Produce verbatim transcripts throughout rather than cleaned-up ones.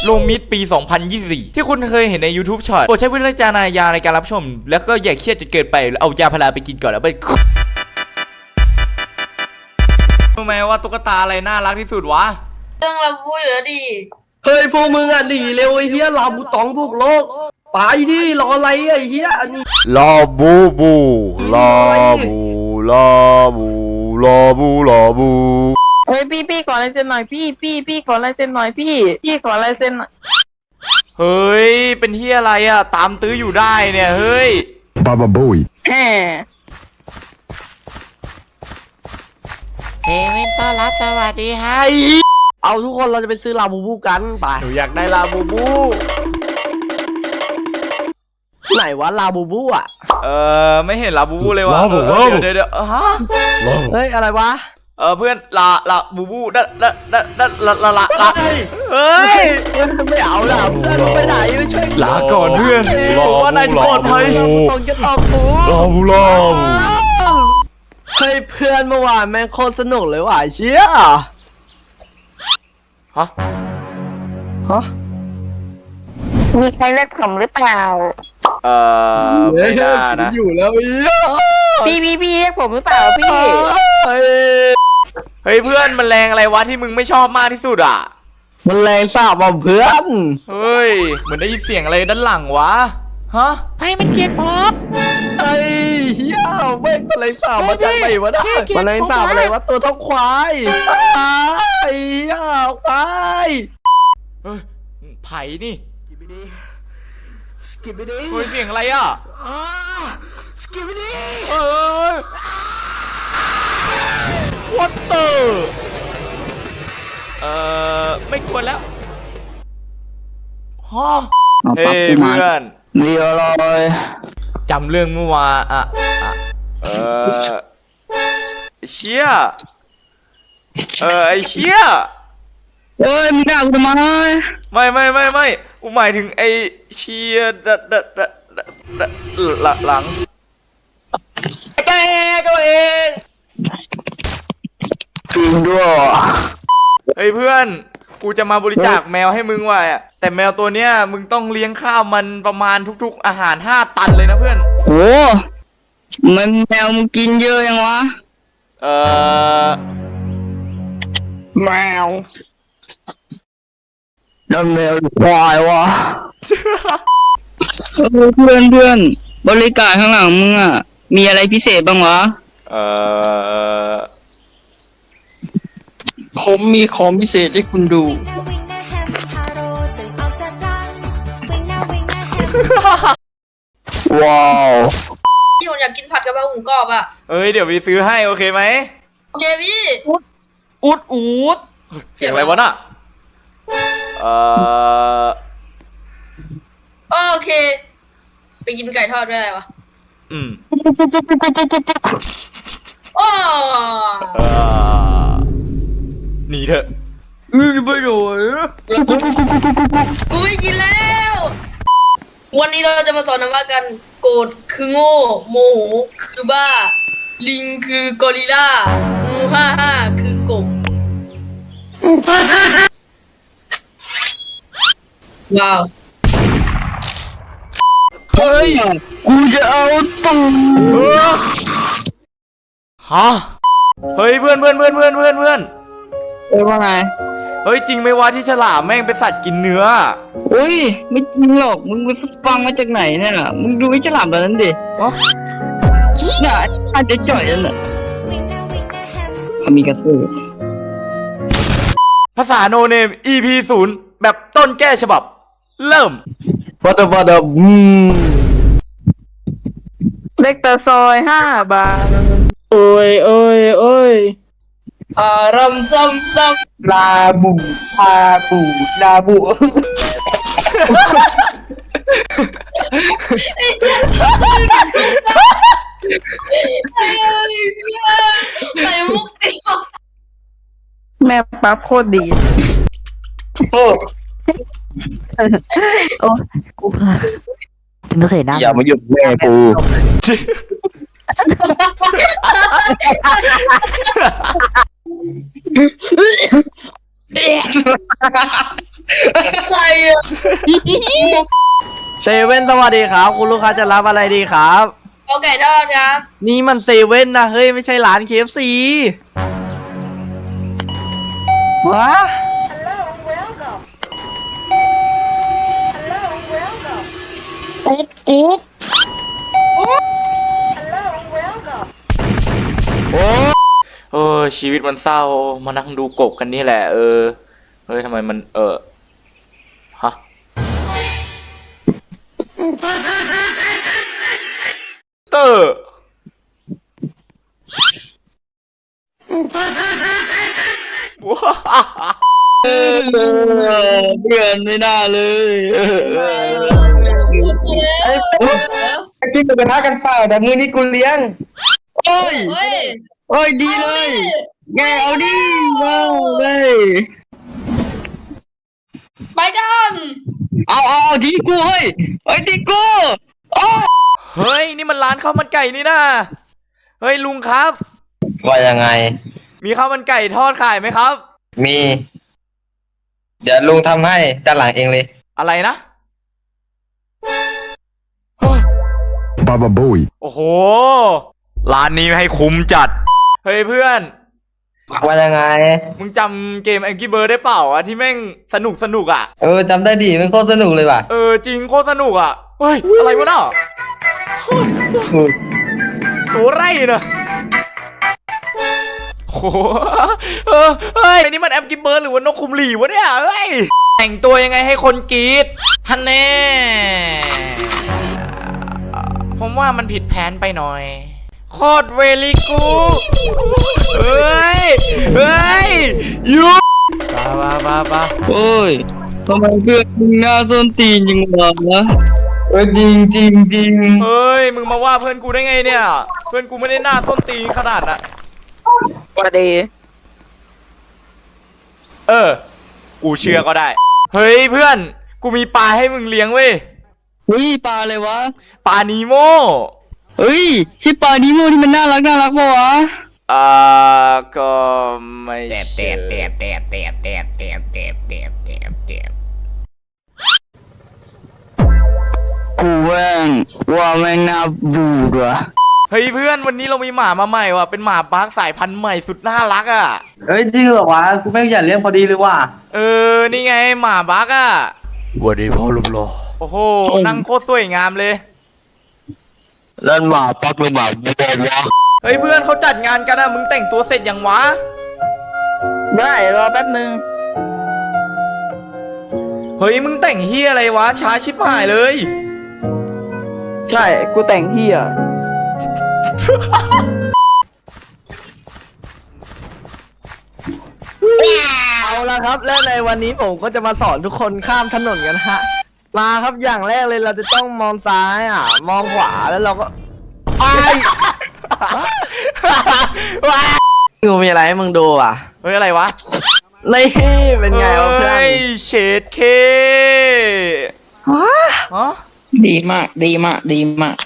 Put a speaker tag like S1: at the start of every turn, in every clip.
S1: โลมิดปี สองพันยี่สิบสี่ ที่คุณเคยเห็นใน YouTube Short โปรดใช้วิจารณญาณในการรับชมแล้วก็อย่าเครียดจนเกินไปเอายาพาราไปกินก่อนแล้วไปรู้ไหมว่าตุ๊กตาอะไรน่ารักที่สุดวะ
S2: เรื่องเราพูดอยู่แล้วดิ
S3: เฮ้ยพวกมึงอ่ะหนีเร็วไอ้เหี้ยลาบูตองพวกโลกไปดิรออะไรไอ้เหี้ยอันนี้
S1: ลาบูบูลาบูลาบูลาบูลาบู
S4: เฮ้ยพี่พี่ขอลายเซ็นหน่อยพี่พี่พี่ขอลายเซ็นหน่อยพี่พี่ขอลายเซ็นหน่อย
S1: เฮ้ยเป็นที่อะไรอ่ะตามตื้ออยู่ได้เนี่ยเฮ้ย
S5: บาบาบุย
S4: แหม
S1: เฮเว่นต้อนรับสวัสดีฮะ
S3: เอาทุกคนเราจะไปซื้อลาบูบูกันไป
S1: หนูอยากได้ลาบูบู
S3: ไหนวะลาบูบูอ่ะ
S1: เออไม่เห็นลาบูบูเลยวะเดี๋ยวเดี๋ยวฮะ
S3: เฮ้ยอะไรวะ
S1: เออเพื่อนลาลาบูบูดัดดัดดัดดัดละละละละเฮ้ย
S3: ไม่เอาละเพื่อนไปไหนไม่ช่วย
S1: ลาก่อนเพื่อนบอกว่านายปลอดภัย
S3: ต้องจะตอบกู
S1: ลาบูลาบู
S3: เฮ้ยเพื่อนเมื่อวานแม่งโคตรสนุกเลยว่ะเชี่ย
S1: ฮะ
S3: ฮะ
S4: มีใครเรียกผมหรือเปล่า
S1: เออไม่น่านะ
S3: อยู่แล้ว
S4: พี่พี่พี่เรียกผมหรือเปล่าพี่
S1: เฮ้ยเพื่อนมันแรงอะไรวะที่มึงไม่ชอบมากที่สุดอ่ะ
S3: มันแรงสาบอ่ะเพื่อน
S1: เฮ้ยเหมือนได้ยินเสียงอะไรด้านหลังวะฮะ
S4: ให้มันเกลียดผม
S3: ไอ้เหี้ยไม่มันแรงสาบมาจากไหนวะนะมันแรงสาบอะไรวะตัวเท่าควายไอ้เหี้ยควาย
S1: เฮ้ยไผ่นี่
S3: สกิปไปดิ
S1: เฮ้ยเสียงอะไรอ่ะ
S3: สกิปไปดิ
S1: เออ What the เอ่อไม่ควรแล้วฮะเฮ้ยเพื่อน
S3: เรียวเลย
S1: จำเรื่องเมื่อวานอ่ะอ่ะเออเชี่ยเออไอเชี่ย
S3: เอ้ยมึงด่ากูทำไม
S1: ไม่ไม่ไม่ไม่กูหมายถึงไอเชียดัดดัดดัดดัดหลังแกตัวเอง
S3: จริงด้วย
S1: เฮ้ยเพื่อนกูจะมาบริจาคแมวให้มึงว่ะแต่แมวตัวเนี้ยมึงต้องเลี้ยงข้าวมันประมาณทุกๆอาหารห้าตันเลยนะเพื่อน
S3: โอ้มันแมวมึงกินเยอะยังวะ
S1: เออ
S3: แมวนั่นแมวควายวะเพื่อนเพื่อนบริการข้างหลังมึงอ่ะมีอะไรพิเศษบ้างวะ
S1: เออ
S3: ผมมีของพิเศษให้คุณดูว้าว
S2: พี่ผมอยากกินผัดกะเพราหมูกรอบอ่ะ
S1: เอ้ยเดี๋ยวพี่ซื้อให้โอเคไหม
S2: โอเคพี่
S3: อุดอุดอุด
S1: เสียงอะไรวะน่ะเออ
S2: โอเคไปกินไก่ทอดด้วยอะไรวะ
S1: อืม
S2: โอ้
S1: หนีเถอะ
S3: อือไม่โดน
S2: กูไม่กินแล้ววันนี้เราจะมาสอนนะว่ากันโกรธคือโง่โมโหคือบ้าลิงคือกอริลลามูฮ่าฮ่าคือกบว้าว
S1: เฮ้ย
S3: กูจะเอาตู
S1: ฮะเฮ้ยเพื่อนเพื่อนเพื่อนเพื่อนเพื่อนเพื่อน
S3: เอ้ยว่าไง
S1: เฮ้ยจริงไหมวะที่ฉลามแม่งเป็นสัตว์กินเนื้อ
S3: เฮ้ยไม่จริงหรอกมึงไปฟังมาจากไหนเนี่ยมึงดูไอ้ฉลามแบบนั้นดิ
S1: อ๋อ
S3: น่ะอาจจะจ่อยนั่นแหละมีกระสือ
S1: ภาษาโนเนม อี พี ศูนย์แบบต้นแก้ฉบับเริ่ม
S3: วัตถุวัตถุอืม
S4: เล็กตะซอยห้าบาท
S3: โอ้ยโอ้ยโอ้ย
S2: อารมณ์ซ้ำซ้
S3: ำลาบูลาบูลาบู
S2: ใส่มุกติด
S4: แม่ปั๊บโคตรดี
S3: โอ้
S4: โอ้กูพาไม่เคยนั่ง
S3: อย่ามาหยุดแม่กู
S2: ใครอะ
S3: เซเว่นสวัสดีครับ คุณลูกค้าจะรับอะไรดีครับ
S2: เอาไก่ทอดครับ
S3: นี่มันเซเว่นนะเฮ้ย ไม่ใช่ร้าน เค เอฟ ซี วะ
S4: กุ๊กกุ๊ก
S1: เออชีวิตมันเศร้ามานั่งดูกบกันนี่แหละ เออเฮ้ยทำไมมันเออฮะเตอร์ว้า
S3: เพื่อนไม่น่าเลย
S5: กินหมูกระทะกันเปล่าแต่มื้อนี้กูเลี้ยง
S3: โอ้ย
S2: เฮ้ย
S3: โอ้ยดีเลยแกเอาดิเอาเลย
S2: ไปกัน
S3: เอาเอาเอาทีกูเฮ้ยไอ้ทีกูโอ้
S1: เฮ้ยนี่มันร้านข้าวมันไก่นี่นะเฮ้ยลุงครับ
S5: ว่ายังไง
S1: มีข้าวมันไก่ทอดขายไหมครับ
S5: มี เดี๋ยวลุงทำให้ด้านหลังเองเลย
S1: อะไรนะ
S6: Baba Bowie.
S1: โอ้โหร้านนี้ให้คุ้มจัดเฮ้ยเพื่อน
S5: ว่ายังไง
S1: มึงจำเกม Angry Birds ได้เปล่าอะที่แม่งสนุกสนุกอะ
S5: เออจำได้ดิมันโคตรสนุกเลยว่ะ
S1: เออจริงโคตรสนุกอะเฮ้ยอะไรวะน่ะโหไร่เนอะโหเออเฮ้ยนี่มัน Angry Birds หรือว่านกคุมหลีวะเนี่ยเฮ้ยแต่งตัวยังไงให้คนกรี๊ดฮันแน่ผมว่ามันผิดแผนไปหน่อยโคตรเวลิกูเฮ้ยเฮ้ยยูบ้าบ้าบ้าบ้า
S3: โอ้ยทำไมเพื่อนมึงหน้าส้นตีนยังวะ
S5: เออจริงจริงจริง
S1: เฮ้ยมึงมาว่าเพื่อนกูได้ไงเนี่ย เพื่อนกูไม่ได้หน้าส้นตีนขนาดน่ะ
S4: สวัสดี
S1: เออ กูเชื่อก็ได้ เฮ้ยเพื่อน กูมีปลาให้มึงเลี้ยงเว้ย
S3: เฮ้ยปลาอะไรวะ
S1: ปลานีโม
S3: เฮ้ยชื่อปลาดิโมที่มันน่ารักน่ารักปะวะ
S1: อ่าก็ไม่
S7: แตบแตบแตบแตบแตบแตบแตบแตบแตบแตบแตบ
S3: กูแม่งว่าแม่งน่าบูดว่ะ
S1: เฮ้ยเพื่อนวันนี้เรามีหมามาใหม่ว่ะ เป็นหมาบาร์กสายพันธุ์ใหม่สุดน่ารักอ่ะ
S5: เฮ้ยจริงเหรอวะกูไม่อยากเลี้ยงพอดีเลยว่ะ
S1: เออ นี่ไงหมาบาร์กอ่ะ
S6: วันนี้พ่อลุงรอ
S1: โอ้โห นั่งโคตรสวยงามเลย
S6: แล้วหมาปักหรือหมาบอลวะ
S1: เฮ้ยเพื่อนเขาจัดงานกันอ่ะ มึงแต่งตัวเสร็จยังวะ
S4: ได้รอแป๊บนึง
S1: เฮ้ยมึงแต่งเฮียอะไรวะ ช้าชิบหายเลย
S4: ใช่กูแต่งที่อ่ะ
S3: เอาละครับและในวันนี้ผมก็จะมาสอนทุกคนข้ามถนนกันฮะ มาครับอย่างแรกเลยเราจะต้องมองซ้ายอ่ะ มองขวาแล้วเราก็ไอ้กูมีอะไรให้มึงดูอ่ะ
S1: เฮ้ยอะไรวะ
S3: นี่เป็นไงวะเพื่อน
S1: เฮ้ยเฉดเค
S3: ว้า
S1: ฮะ
S4: ดีมากดีมากดีมาก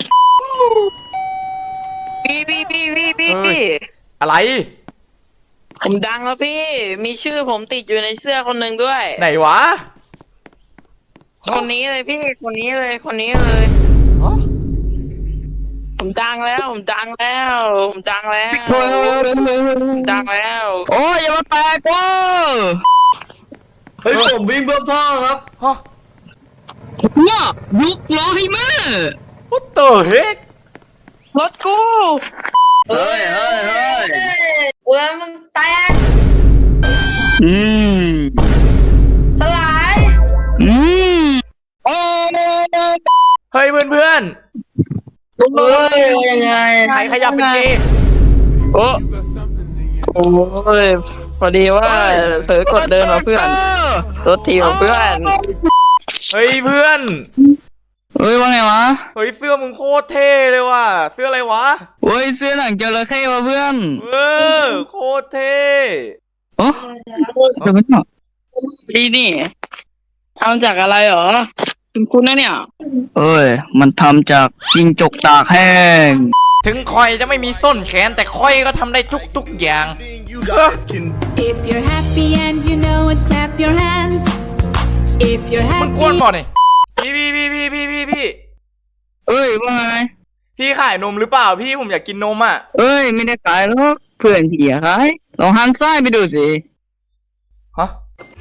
S4: พี่พี่พี่พี่พี่พี่
S1: อะไร
S4: ผมดังแล้วพี่ มีชื่อผมติดอยู่ในเสื้อคนหนึ่งด้วย
S1: ไหนวะ
S4: คนนี้เลยพี่คนนี้เลยคนนี้เลย
S1: ฮะ
S4: ผมดังแล้วผมดังแล้วผมดังแล้วผมดังแล้ว
S3: โอ้ยอย่ามาแตกกูเฮ้ยผมวิ่งเพื่อพ่อครับ
S1: ฮะ
S3: น่ะลุกล้อให้แม่
S1: What the heck
S4: รถกู
S3: เฮ้ยเฮ้ยเฮ้ย
S2: เว้ยมึงแตก
S3: อืม
S2: สลาย
S3: อืมโอ้
S1: เฮ้ยเพื่อนเพื่อน
S2: เฮ้ยยังไง
S1: ๆใครขยับเป็นเกย์
S4: โอ้โอ้ยพอดีว่าเผลอกดเดินมาเพื่อนรถทีของเพื่อน
S1: เฮ้ยเพื่อน
S3: เฮ้ยว่าไงวะ
S1: เฮ้ยเสื้อมึงโคตรเท่เลยว่ะ เสื้ออะไรวะ
S3: เฮ้ยเสื้อหนังจระเข้วะเพื่อน
S1: เออโคตรเท่
S3: โอ้เดี๋ยวไม่ต้อง
S4: ดีนี่ทำจากอะไรเหรอคุณคุณนะเนี่ย
S3: เอ้ยมันทำจากจิงจกตากแห้ง
S1: ถึงคอยจะไม่มีส้นแขนแต่คอยก็ทำได้ทุกทุกๆอย่าง
S8: If you're happy and you know it, clap your hands. If you're
S1: มึง
S8: happy
S1: กวนบ่อนี่พี่พี่พี่พี่พี่พี่พี่
S4: เอ้ยว่าไง
S1: พี่ขายนมหรือเปล่าพี่ผมอยากกินนมอ่ะ
S4: เอ้ยไม่ได้ขายหรอกเพื่อนที่อยากขายลองหันซ้ายไปดูสิ
S1: ฮะ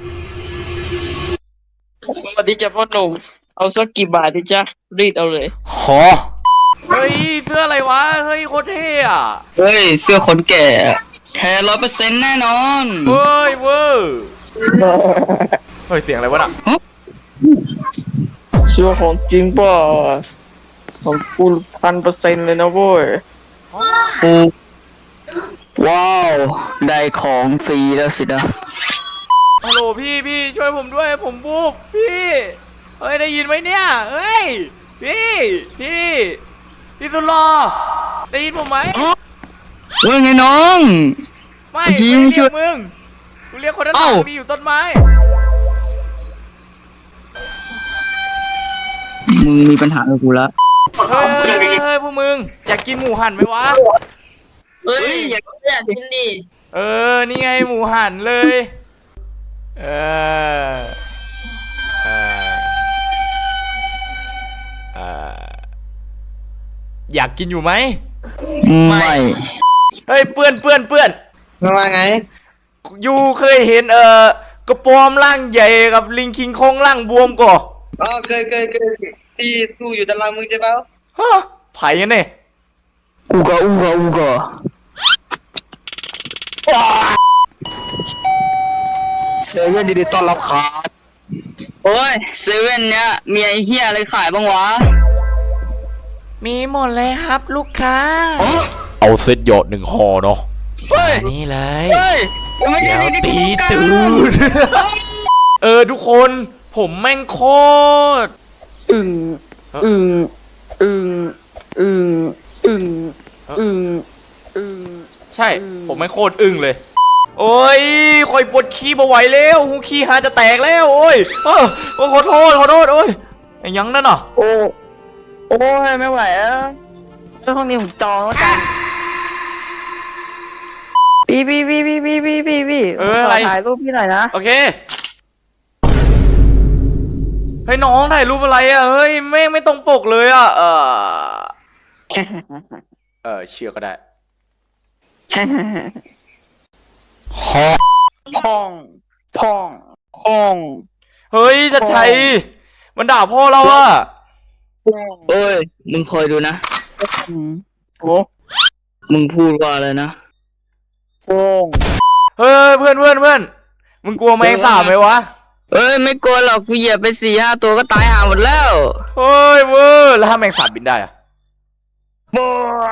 S4: สวัสดีจ้ะพ่อหนุ่มเอาสักกี่บาทดิจ๊ะรีดเอาเลย
S1: หอเฮ้ยเสื้ออะไรวะเฮ้ยโคตรเท่อะ
S4: เฮ้ยเสื้อคนแก่แท้ร้อยเปอร์เซ็นต์แน่นอน
S1: เฮ้ยเวอร์เฮ้ยเสียงอะไรวะน่ะ
S4: เสื้อของจริงป่ะของกูพันเปอร์เซ็นต์เลยนะเว้ยว้าวได้ของฟรีแล้วสินะ
S1: ฮัลโหลพี่พี่ช่วยผมด้วยผมบูบพี่เฮ้ยได้ยินไหมเนี่ยเฮ้ยพี่พี่พี่สุดหล่อได้ยินผมไหม
S4: ว่าไงน้อง
S1: ไม่
S4: เมื่อกี้
S1: ไม่
S4: ช่
S1: เรี
S4: วย
S1: ยกมึงกูเรียกคนด้านหลั
S4: เอ้า
S1: งมีอยู่ต้นไม้
S4: มึงมีปัญหากับกูละ
S1: เฮ้ยเฮ้ยเฮ้ยเฮ้ยพวกมึงอยากกินหมูหันไหมวะ
S2: เฮ้ยอยากอยากกินดิ
S1: เออนี่ไงหมูหันเลย เออเออเอออยากกินอยู่ไหม
S4: ไม่
S1: เฮ้ยเปื้อนเปื้อนเปื้อน
S5: ว่าไง
S1: ยูเคยเห็นเอ่อกระปอมร่างใหญ่กับลิงคิงคองร่างบวมก่อ
S5: อ๋อเคยเคยเคยที่สู้อยู่ด้านหล่างมึงใช่เปล่า
S1: ฮะไผ่เนี่ย
S4: อูกะอูกะอูกะ
S6: เซเว่นดีดีต้อนรับครับ
S4: โอ้ยเซเว่นเนี้ยมีไอ้เหี้ยอะไรขายบ้างวะ
S1: มีหมดเลยครับลูกค้า
S4: อ๋อ
S1: เอาเซตหยอดหนึ่งห่อเนาะ
S4: เฮ้ย
S1: นี่เลย
S4: เฮ้ยยังไม่
S1: เดี๋
S4: ได้
S1: ยว
S4: ดี
S1: ตีตื่น เออทุกคน ผมแม่งโคตร
S4: อึ่งอึ่งอึ่งอึ่งอึ่งอึ่งอึ่ง
S1: ใช่ ผมแม่งโคตรอึ้งเลย โอ้ยคอยปวดขี้บ่ไหวแล้วหูขี้หาจะแตกแล้ว โอ้ยเออโอ้ขอโทษขอโทษโอ้ยไอ้ยังนั่นน่ะ
S4: โอ้โอ้ยไม่ไหวแล้วแล้วห้องนี้ผมจองแล้วกันพี่พี่พี่พี่พี่พี่พี่พี่
S1: เอออะไร
S4: ขถ่ายรูปพี่หน่อยนะ
S1: โอเคเฮ้ยน้องถ่ายรูปอะไรอ่ะเฮ้ยไม่ไม่ตรงปกเลยอ่ะเออเออเชื่อก็ได้
S4: พ่องพ่องพ่อง
S1: เฮ้ยชัดชัยมันด่าพ่อเราอ่ะ
S4: เอ้ยมึงคอยดูนะโอ้มึงพูดว่าอะไรนะพ่อง
S1: เฮ้ยเพื่อนเพื่อนเพื่อนมึงกลัวแมงสาบไหมวะ
S4: เอ้ยไม่กลัวหรอกกูเหยียบไปสี่ห้าตัวก็ตายห่าหมดแล้ว
S1: เฮ้ยเวอร์แล้วถ้าแมงสาบบินได้อ่ะ
S4: บ้า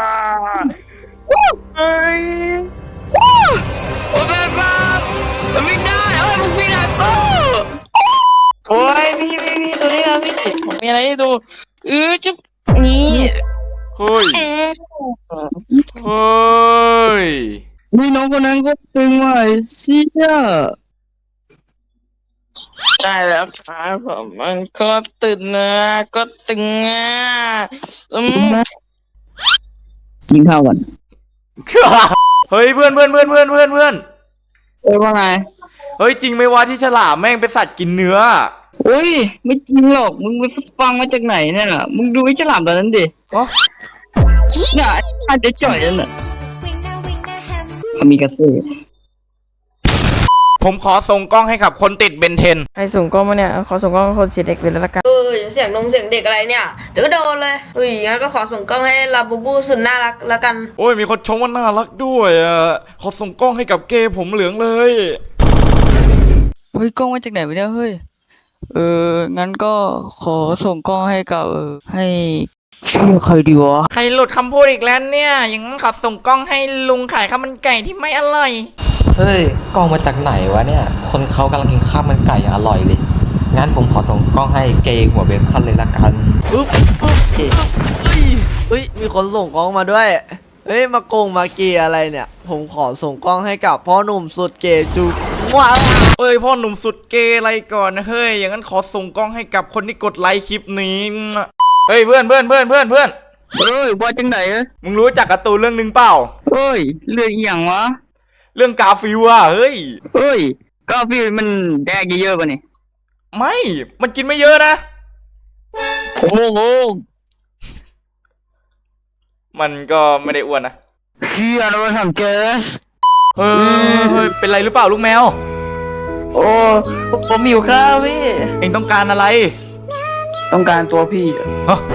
S4: เฮ้ยโอ้แม่บ้ามันไม่ได้เอ้ยมึงไม่ได้กูโอ้ยพี่พี่พี่ตัวนี้นะพี่ผมมีอะไรให้ดูเออจะนี่
S1: เฮ้ยเฮ้ย
S4: มีน้องคนนั้นก็ตึงว่ะเชี่ยใช่แล้วครับผมมันก็ตึงนะก็ตึงอ่ะอืมกินข้าวก่อน
S1: เฮ้ยเพื่อนเพื่อนเพื่อนเพื่อนเพื่อนเพื่อน
S4: เอ้ยว่าไง
S1: เฮ้ยจริงไหมวะที่ฉลามแม่งเป็นสัตว์กินเนื้อ
S4: โอ้ยไม่จริงหรอกมึงไปฟังมาจากไหนเนี่ยมึงดูไอ้ฉลามตัวนั้นดิ
S1: อ๋อ
S4: เนี่ยไอ้อาจจะจ่อยนั่นน่ะมีกระสือ
S1: ผมขอส่งกล้องให้กับคนติดเบนเทน
S9: ใครส่งกล้องมาเนี่ย ขอส่งกล้องคนเสียเด็กเลยแล้วละกัน
S2: เออเสียงนงเสียงเด็กอะไรเนี่ยเดี๋ยวก็โดนเลยเฮ้ยงั้นก็ขอส่งกล้องให้ลาบูบูสุดน่ารักแล้วกัน
S1: โอ้ยมีคนชมว่าน่ารักด้วยอ่ะขอส่งกล้องให้กับเกย์ผมเหลืองเลย
S4: เฮ้ยกล้องมาจากไหนวะเนี่ยเฮ้ยเอองั้นก็ขอส่งกล้องให้กับเออให้ชื่อใครดีวะ
S1: ใครหลุดคำพูดอีกแล้วเนี่ย อย่างนั้นขอส่งกล้องให้ลุงขายข้าวมันไก่ที่ไม่อร่อย
S5: เฮ้ยกล้องมาจากไหนวะเนี่ย คนเขากำลังกินข้าวมันไก่อย่างอร่อยเลย งั้นผมขอส่งกล้องให้เกย์หัวเบคอนเลยละกัน
S3: ปึ๊บเฮ้ยมีคนส่งกล้องมาด้วยเฮ้ยมาโกงมาเกียอะไรเนี่ย ผมขอส่งกล้องให้กับพ่อหนุ่มสุดเกย์จูว้าว
S1: เอ้ยพ่อหนุ่มสุดเกย์อะไรก่อนนะเฮ้ยอย่างนั้นขอส่งกล้องให้กับคนที่กดไลค์คลิปนี้เฮ้ยเพื่อนเพื่อนเพื่อนเพื่อนเพื่อน
S4: เฮ้ยว่าจังไหนเอ้ย
S1: มึงรู้จักการ์ตูนเรื่องหนึ่งเปล่า
S4: เฮ้ยเรื่องอหย่างวะ
S1: เรื่องกาฟิลอะเฮ้ย
S4: เฮ้ยก็พี่มันแดกเยอะๆป่ะนี่
S1: ไม่ มันกินไม่เยอะนะ
S4: โอ้โห
S1: มันก็ไม่ได้อ้วนนะ
S3: เชี่ยเราทำเกส
S1: เฮ้ยเฮ้ยเป็นไรหรือเปล่าลูกแมว
S4: โอ้ผมหิวข้าวพี่
S1: เอ็งต้องการอะไร
S4: ต้องการตัวพี่
S1: ฮะ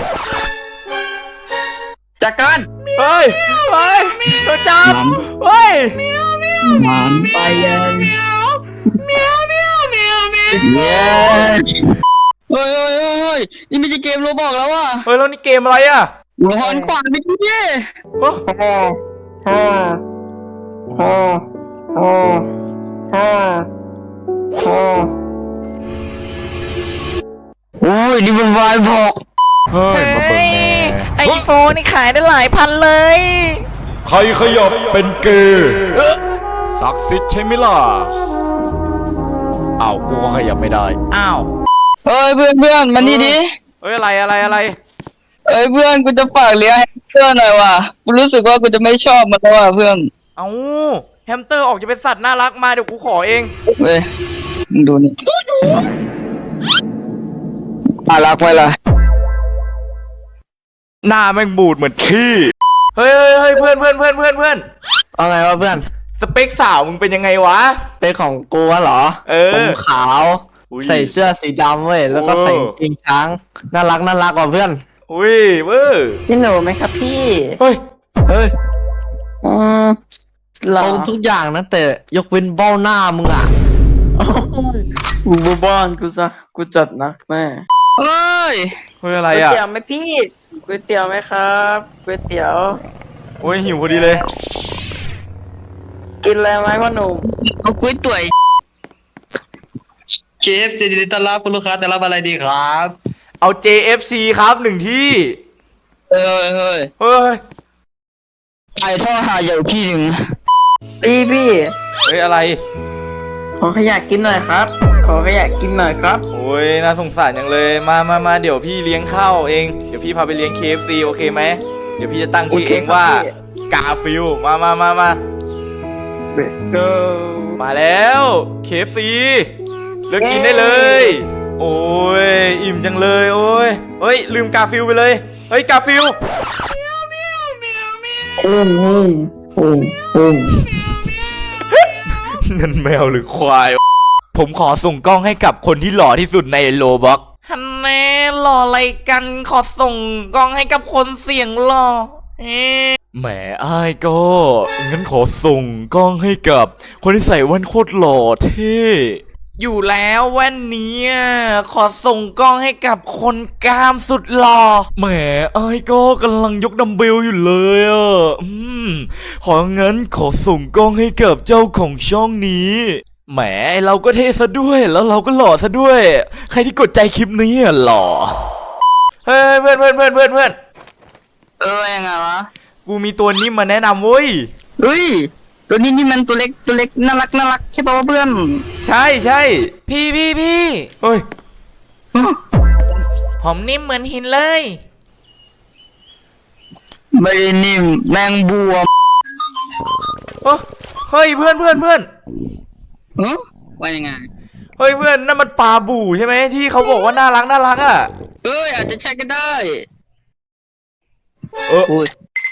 S4: จัดการ
S1: เฮ้ย เฮ้ยตัวจับเฮ้ย
S4: มันไปยันเมียวเมียวเมียวเมียวเมียวเฮ้ยเฮ้ยเฮ้ยเฮ้ยนี่ไม่ใช่เกมโรบอกแล้วว่ะ
S1: เฮ้ยแล้วนี่เกมอะไรอ่ะ
S4: หัวหอนขวานไม่ดีดิ
S1: เฮ้ย
S3: ฮ่าฮ่าฮ่าฮ่าฮ่าฮ่าโอ้ยนี่มันวายบอก
S1: เฮ้ยมาเปิดแม่
S9: ไอโฟนนี่ขายได้หลายพันเลย
S1: ใครขยับเป็นเกย์ศักดิ์สิทธิ์ใช่ไหมล่ะอ้าวกูก็ขยับไม่ได้อ้าว
S4: เฮ้ยเพื่อนเพื่อนมานี่ดิ
S1: เฮ้ยอะไรอะไรอะไร
S4: เอ้ยเพื่อนกูจะฝากเลี้ยงให้เพื่อนหน่อยว่ะกูรู้สึกว่ากูจะไม่ชอบมันแล้วว่ะเพื่อน
S1: เอ้าแฮมสเตอร์ออกจะเป็นสัตว์น่ารักมาเดี๋ยวกูขอเอง
S4: เว้ยมึงดูนี่น่ารักไว้ล่ะ
S1: หน้าแม่งบูดเหมือนขี้เฮ้ยเฮ้ยเฮ้ยเพื่อนเพื่อนเพื่อนเพื่อนเพื่อน
S3: เอาไงวะเพื่อน
S1: สเปคสาวมึงเป็นยังไงวะ
S3: เป็นของกูวะเหรอ
S1: เออ
S3: ผมขาว
S1: อุ้ย
S3: ใส่เสื้อสีดำเว้ย แล้วก็
S1: โอ้
S3: ใส่กางเกงช้าง น่ารักน่ารักว่ะเพื่อน
S1: อุ้ยเว้ย
S4: พี่หนูไหมครับพี่
S1: เฮ้ย
S3: เฮ้ย
S4: อืมหร
S3: ต
S4: อ
S3: รงทุกอย่างนะแต่ยกเว้นเบ้าหน้ามึงอ่ะ
S4: กูบ้านกูซะกูจัดนะแม่เฮ้ย
S1: เฮ้ยอะไร
S4: ก๋วย
S1: อ่ะ
S4: เตี๋ยวไหมพี่ก๋วยเตี๋ยวไหมครับก๋วยเตี๋ยว
S1: โอ้ยหิวพอดีเลย
S4: กินอะไรไหมพ่อหนุ่มเอาก๋วยเตี๋ยว
S5: เชฟจะดีต้อนรับคุณลูกค้าแต่รับอะไรดีครับ
S1: เอา เจ เอฟ ซี ครับหนึ่งที่
S4: เฮ้ยเฮ้ย
S1: เฮ้ย
S3: ไอ้ท่อหาใหญ่พี่หนึ่ง
S4: พี่พี่
S1: เฮ้ยอะไร
S4: ขอขยะกินหน่อยครับ ขอขยะกินหน่อยครับ
S1: โอ้ยน่าสงสารจังเลยมามามาเดี๋ยวพี่เลี้ยงข้าวเองเดี๋ยวพี่พาไปเลี้ยง เค เอฟ ซี โอเคไหมเดี๋ยวพี่จะตั้งชื่อเองว่า
S4: โอเคครับพี่
S1: กาฟิลมามามามา
S4: Let's go
S1: มาแล้ว เค เอฟ ซี เลิกกินได้เลย โอ้ยอิ่มจังเลยโอ้ยเฮ้ยลืมกาฟิลไปเลยเฮ้ยกาฟิล
S4: อืมอืมอืมอืม
S1: นั่นแมวหรือควาย ผมขอส่งกล้องให้กับคนที่หล่อที่สุดในโลบ็อกฮันแน่หล่ออะไรกันขอส่งกล้องให้กับคนเสียงหล่อเอ๊ะแหมอ้ายก็งั้นขอส่งกล้องให้กับคนที่ใส่แว่นโคตรหล่อเท่อยู่แล้วแว่นนี้ขอส่งกล้องให้กับคนกล้ามสุดหล่อแหมอ้ายก็กำลังยกดัมเบลอยู่เลยอ่ะอืมของั้นขอส่งกล้องให้กับเจ้าของช่องนี้แหมเราก็เท่ซะด้วยแล้วเราก็หล่อซะด้วย ใครที่กดใจคลิปนี้อ่ะหล่อเฮ้ยเพื่อนเพื่อนเพื่อนเพื่อนเพื่อน
S4: เออยังไงวะ
S1: กูมีตัวนี้มาแนะนำเว้ย
S4: เฮ้ยตัวนี้นี่มันตัวเล็กตัวเล็กน่ารักน่ารักใช่ป่าวะเพื่อน
S1: ใช่ใช่พี่พี่พี่เฮ้ยผมนิ่มเหมือนหินเลย
S4: ไม่ได้นิ่มแมงบัว
S1: เอ้อเฮ้ยเพื่อนเพื่อนเพื่อน
S4: ฮะว่ายังไง
S1: เฮ้ยเพื่อนนั่นมันปลาบู่ใช่ไหมที่เขาบอกว่าน่ารักน่ารักอ่ะ
S4: เอ้ยอาจจะใช่ก็ได้
S1: เออ
S4: โอ้ย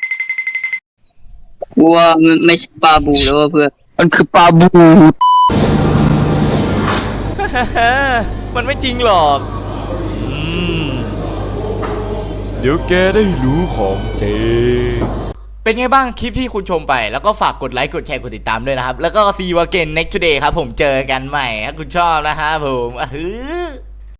S4: กูว่ามันไม่ใช่ปลาบูแล้วว่ะเพื่อนมันคือปลาบู
S1: มันไม่จริงหรอกอืมเดี๋ยวแกได้รู้ของจริงเป็นไงบ้างคลิปที่คุณชมไปแล้วก็ฝากกดไลค์กดแชร์กดติดตามด้วยนะครับแล้วก็ see you again next today ครับผมเจอกันใหม่ถ้าคุณชอบนะครับผมอ่ะฮือ